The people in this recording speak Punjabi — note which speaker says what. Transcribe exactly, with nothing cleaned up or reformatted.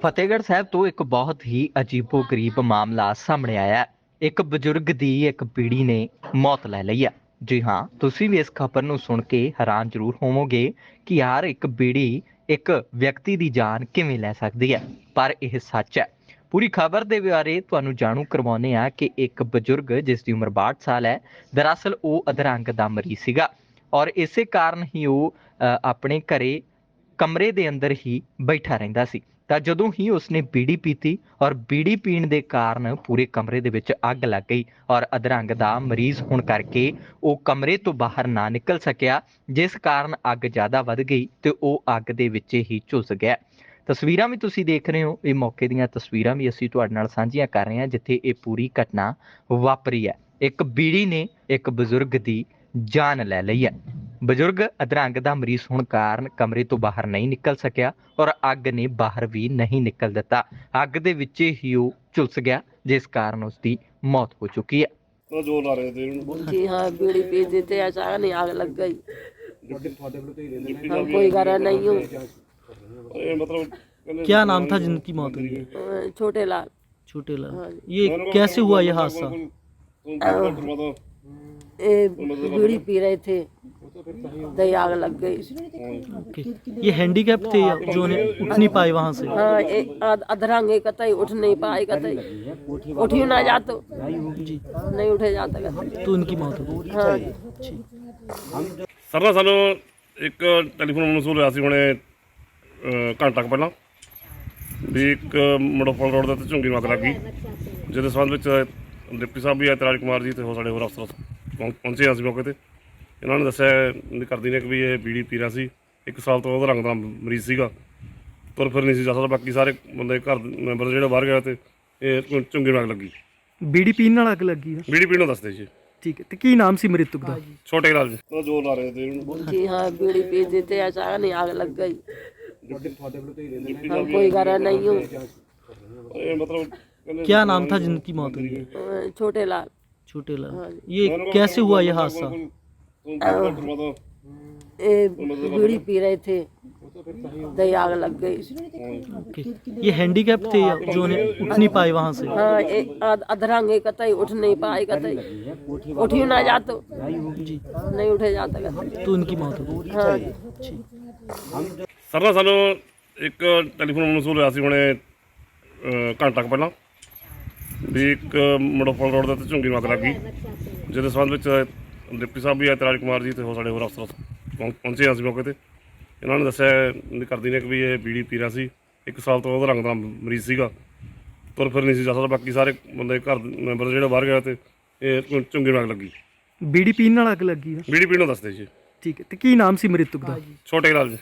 Speaker 1: ਫਤਿਹਗੜ੍ਹ ਸਾਹਿਬ ਤੋਂ ਇੱਕ ਬਹੁਤ ਹੀ ਅਜੀਬੋ-ਗਰੀਬ ਮਾਮਲਾ ਸਾਹਮਣੇ ਆਇਆ ਹੈ। ਇੱਕ ਬਜ਼ੁਰਗ ਦੀ ਇੱਕ ਪੀੜ੍ਹੀ ਨੇ ਮੌਤ ਲੈ ਲਈ ਹੈ। ਜੀ ਹਾਂ, ਤੁਸੀਂ ਵੀ ਇਸ ਖਬਰ ਨੂੰ ਸੁਣ ਕੇ ਹੈਰਾਨ ਜ਼ਰੂਰ ਹੋਵੋਗੇ ਕਿ ਯਾਰ ਇੱਕ ਪੀੜ੍ਹੀ ਇੱਕ ਵਿਅਕਤੀ ਦੀ ਜਾਨ ਕਿਵੇਂ ਲੈ ਸਕਦੀ ਹੈ, ਪਰ ਇਹ ਸੱਚ ਹੈ। ਪੂਰੀ ਖਬਰ ਦੇ ਬਾਰੇ ਤੁਹਾਨੂੰ ਜਾਣੂ ਕਰਵਾਉਂਦੇ ਹਾਂ ਕਿ ਇੱਕ ਬਜ਼ੁਰਗ ਜਿਸ ਦੀ ਉਮਰ ਬਾਹਠ ਸਾਲ ਹੈ, ਦਰਅਸਲ ਉਹ ਅਧਰੰਗ ਦਾ ਮਰੀਜ਼ ਸੀਗਾ ਔਰ ਇਸੇ ਕਾਰਨ ਹੀ ਉਹ ਅ, ਆਪਣੇ ਘਰੇ ਕਮਰੇ ਦੇ ਅੰਦਰ ਹੀ ਬੈਠਾ ਰਹਿੰਦਾ ਸੀ। ਤਾਂ ਜਦੋਂ ਹੀ ਉਸਨੇ ਬੀੜੀ ਪੀਤੀ ਔਰ ਬੀੜੀ ਪੀਣ ਦੇ ਕਾਰਨ ਪੂਰੇ ਕਮਰੇ ਦੇ ਵਿੱਚ ਅੱਗ ਲੱਗ ਗਈ ਔਰ ਅਧਰੰਗ ਦਾ ਮਰੀਜ਼ ਹੋਣ ਕਰਕੇ ਉਹ ਕਮਰੇ ਤੋਂ ਬਾਹਰ ਨਾ ਨਿਕਲ ਸਕਿਆ, ਜਿਸ ਕਾਰਨ ਅੱਗ ਜ਼ਿਆਦਾ ਵੱਧ ਗਈ ਤੇ ਉਹ ਅੱਗ ਦੇ ਵਿੱਚ ਹੀ ਝੁਲਸ ਗਿਆ। ਤਸਵੀਰਾਂ ਵੀ ਤੁਸੀਂ ਦੇਖ ਰਹੇ ਹੋ, ਇਹ ਮੌਕੇ ਦੀਆਂ ਤਸਵੀਰਾਂ ਵੀ ਅਸੀਂ ਤੁਹਾਡੇ ਨਾਲ ਸਾਂਝੀਆਂ ਕਰ ਰਹੇ ਹਾਂ ਜਿੱਥੇ ਇਹ ਪੂਰੀ ਘਟਨਾ ਵਾਪਰੀ ਹੈ। ਇੱਕ ਬੀੜੀ ਨੇ ਇੱਕ ਬਜ਼ੁਰਗ ਦੀ ਜਾਨ ਲੈ ਲਈ ਹੈ। ਬਜ਼ੁਰਗ ਅਧਰੰਗ ਦਾ ਮਰੀਜ਼ ਹੋਣ ਕਾਰਨ ਕਮਰੇ ਤੋਂ ਬਾਹਰ ਨਹੀਂ ਨਿਕਲ ਸਕਿਆ ਔਰ ਅੱਗ ਨੇ ਬਾਹਰ ਵੀ ਨਹੀਂ ਨਿਕਲ ਦਿੱਤਾ। ਅੱਗ ਦੇ ਵਿੱਚ ਹੀ ਉਹ ਝੁਲਸ ਗਿਆ, ਜਿਸ ਕਾਰਨ ਉਸ ਦੀ ਮੌਤ ਹੋ ਚੁੱਕੀ ਹੈ।
Speaker 2: तो जोर ला रहे थे
Speaker 3: जी हाँ, बीड़ी पीते थे, अचानक ही आग लग गई।
Speaker 2: डिप्टी
Speaker 3: हम
Speaker 2: साहब
Speaker 3: कोई घर नहीं हूँ।
Speaker 2: ये मतलब कहने-
Speaker 4: क्या नाम था जिनकी मौत हुई है?
Speaker 3: अ, छोटे लाल।
Speaker 4: छोटे
Speaker 3: हाँ
Speaker 4: लाल।
Speaker 3: जी।
Speaker 4: ये कैसे हुआ ये हादसा?
Speaker 2: तुम क्या करवा दो?
Speaker 3: ये बीड़ी पी रहे थे, दही आग लग गई।
Speaker 4: ओके। ये हैंडीकैप थे या जो ने उठ नहीं पाए वहाँ से?
Speaker 3: हाँ, एक अध- अधरंग एक कतई उठ नहीं पाए, कतई उठी ना जातो,
Speaker 4: जी।
Speaker 3: नहीं उठे जाता कतई।
Speaker 4: तो उनकी मौत हो गई।
Speaker 3: हाँ जी।
Speaker 2: ਸਰ ਨਾ ਸਾਨੂੰ ਇੱਕ ਟੈਲੀਫੋਨ ਮਸੂਲ ਹੋਇਆ ਸੀ ਹੁਣੇ ਅ, ਘੰਟਾ ਕੁ ਪਹਿਲਾਂ ਵੀ ਇੱਕ ਮੜੋਫਲ ਰੋਡ ਦੇ ਉੱਤੇ ਝੁੰਗੀ ਨੂੰ ਅੱਗ ਲੱਗ ਗਈ, ਜਿਹਦੇ ਸੰਬੰਧ ਵਿੱਚ ਡਿਪਟੀ ਸਾਹਿਬ ਵੀ ਆਏ, ਰਾਜ ਕੁਮਾਰ ਜੀ ਤੇ ਹੋਰ ਸਾਡੇ ਹੋਰ ਅਫਸਰ ਪਹੁੰ- ਪਹੁੰਚੇ ਅਸੀਂ ਮੌਕੇ ਤੇ। ਇਹਨਾਂ ਨੇ ਦੱਸਿਆ ਇਹਦੀ ਕਰਦੀ ਨੇ ਕਿ ਵੀ ਇਹ ਬੀੜੀ ਪੀ ਰਿਹਾ ਸੀ, ਇੱਕ ਸਾਲ ਤੋਂ ਉਹਦਾ ਰੰਗ ਦਾ ਮਰੀਜ਼ ਸੀਗਾ, ਤੁਰ ਫਿਰ ਨਹੀਂ ਸੀ ਜਾ ਸਕਦਾ। ਬਾਕੀ ਸਾਰੇ ਬੰਦੇ ਘਰ ਦੇ ਮੈਂਬਰ ਜਿਹੜੇ ਬਾਹਰ ਗਏ ਤੇ ਇਹ ਝੁੰਗੀ ਨੂੰ ਅੱਗ ਲੱਗੀ।
Speaker 4: बीड़ी पीने ਨਾਲ ਅੱਗ ਲੱਗੀ ਆ।
Speaker 2: ਬੀੜੀ ਪੀਣੋਂ ਦੱਸਦੇ ਜੀ।
Speaker 4: ਠੀਕ ਹੈ, ਤੇ ਕੀ ਨਾਮ ਸੀ ਮ੍ਰਿਤਕ ਦਾ?
Speaker 2: ਛੋਟੇ ਲਾਲ ਜੀ तो जोर ला रहे थे
Speaker 3: जी हाँ, बीड़ी पीते थे, अचानक ही आग लग गई।
Speaker 2: डिप्टी
Speaker 3: हम कोई घर नहीं हूँ।
Speaker 2: ये मतलब कहने-
Speaker 4: क्या नाम था जिनकी मौत हुई है?
Speaker 3: अ, छोटे लाल।
Speaker 4: छोटे
Speaker 3: हाँ
Speaker 4: लाल।
Speaker 3: जी।
Speaker 4: ये कैसे हुआ ये हादसा?
Speaker 2: तुम क्या करवा दो?
Speaker 3: ये बीड़ी पी रहे थे, दही आग लग गई।
Speaker 4: ओके। ये हैंडीकैप थे या जो ने उठ नहीं पाए वहाँ से?
Speaker 3: हाँ, एक अध- अधरंग एक कतई उठ नहीं पाए, कतई उठी ना जातो,
Speaker 4: जी।
Speaker 3: नहीं उठे जाता कतई।
Speaker 4: तो उनकी मौत हो गई।
Speaker 3: हाँ जी।
Speaker 2: ਸਰ ਨਾ ਸਾਨੂੰ ਇੱਕ ਟੈਲੀਫੋਨ ਮਸੂਲ ਹੋਇਆ ਸੀ ਹੁਣੇ ਅ, ਘੰਟਾ ਕੁ ਪਹਿਲਾਂ ਵੀ ਇੱਕ ਮੜੋਫਲ ਰੋਡ ਦੇ ਉੱਤੇ ਝੁੰਗੀ ਨੂੰ ਅੱਗ ਲੱਗ ਗਈ, ਜਿਹਦੇ ਸੰਬੰਧ ਵਿੱਚ ਡਿਪਟੀ ਸਾਹਿਬ ਵੀ ਆਏ, ਰਾਜ ਕੁਮਾਰ ਜੀ ਤੇ ਹੋਰ ਸਾਡੇ ਹੋਰ ਅਫਸਰ ਪਹੁੰ- ਪਹੁੰਚੇ ਅਸੀਂ ਮੌਕੇ ਤੇ। ਇਹਨਾਂ ਨੇ ਦੱਸਿਆ ਇਹਦੀ ਕਰਦੀ ਨੇ ਕਿ ਵੀ ਇਹ ਬੀੜੀ ਪੀ ਰਿਹਾ ਸੀ, ਇੱਕ ਸਾਲ ਤੋਂ ਉਹਦਾ ਰੰਗ ਦਾ ਮਰੀਜ਼ ਸੀਗਾ, ਤੁਰ ਫਿਰ ਨਹੀਂ ਸੀ ਜਾ ਸਕਦਾ। ਬਾਕੀ ਸਾਰੇ ਬੰਦੇ ਘਰ ਦੇ ਮੈਂਬਰ ਜਿਹੜੇ ਬਾਹਰ ਗਏ ਤੇ ਇਹ ਝੁੰਗੀ ਨੂੰ ਅੱਗ ਲੱਗੀ।
Speaker 4: बीड़ी पीने ਨਾਲ ਅੱਗ ਲੱਗੀ ਆ।
Speaker 2: ਬੀੜੀ ਪੀਣੋਂ ਦੱਸਦੇ ਜੀ।
Speaker 4: ਠੀਕ ਹੈ, ਤੇ ਕੀ ਨਾਮ ਸੀ ਮ੍ਰਿਤਕ ਦਾ?
Speaker 2: ਛੋਟੇ ਲਾਲ ਜੀ